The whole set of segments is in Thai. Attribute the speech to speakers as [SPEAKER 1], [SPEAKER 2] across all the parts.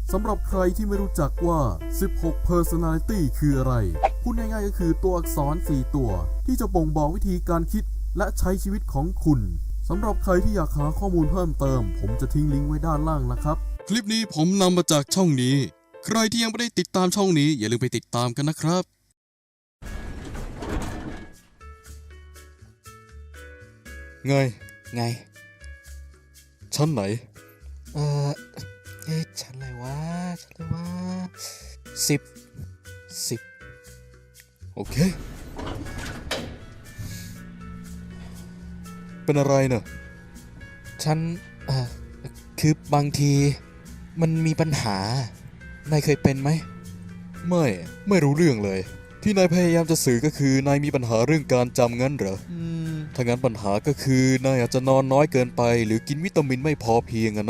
[SPEAKER 1] สำหรับใครที่ไม่รู้จักว่า 16 Personality คืออะไร พูดง่ายๆก็คือตัวอักษร 4 ตัว ที่จะบ่งบอกวิธีการคิดและใช้ชีวิตของคุณ สำหรับใครที่อยากหาข้อมูลเพิ่มเติม ผมจะทิ้งลิงก์ไว้ด้านล่างนะครับ คลิปนี้ผมนำมาจากช่องนี้ ใครที่ยังไม่ได้ติดตามช่องนี้อย่าลืมไปติดตามกันนะครับ
[SPEAKER 2] ไง
[SPEAKER 3] ไง
[SPEAKER 2] ชั้นไหน
[SPEAKER 3] เออชั้นอะไรวะ10
[SPEAKER 2] โอเค เป็นอะไรเนอะ
[SPEAKER 3] ฉันคือบางทีมันมีปัญหานายเคยเป็นไหม
[SPEAKER 2] ไม่รู้เรื่องเลย ที่นายพยายามจะสื่อก็คือนายมีปัญหาเรื่องการจำงั้นเหรอถ้างั้นปัญหาก็คือนายอาจจะนอนน้อยเกินไป หรือกินวิตามินไม่พอเพียงอะนะ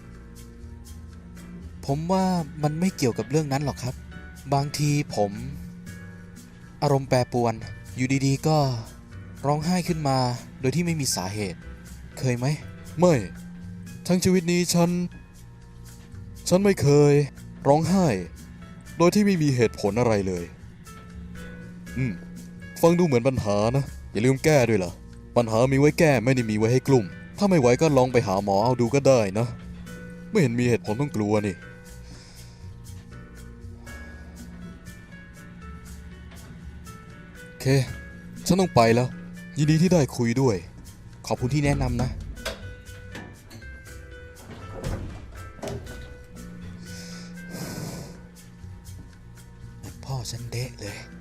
[SPEAKER 3] ผมว่ามันไม่เกี่ยวกับเรื่องนั้นหรอกครับ บางทีผมอารมณ์แปรปรวนอยู่ดีๆก็ร้องไห้ขึ้นมาโดยที่ไม่มีสาเหตุ เคยไหม
[SPEAKER 2] ไม่ทั้งชีวิตนี้ฉันไม่เคยร้องไห้ โดยที่ไม่มีเหตุผลอะไรเลยฟังดูเหมือนปัญหานะอย่าลืมแก้ด้วยล่ะปัญหามีไว้แก้ไม่ได้มีไว้ให้กลุ่มถ้าไม่ไหวก็ลองไปหาหมอเอาดูก็ได้นะไม่เห็นมีเหตุผลต้องกลัวนี่โอเคฉันต้องไปแล้วยินดีที่ได้คุยด้วย
[SPEAKER 3] ขอบคุณที่แนะนำนะ พ่อฉันเดะเลย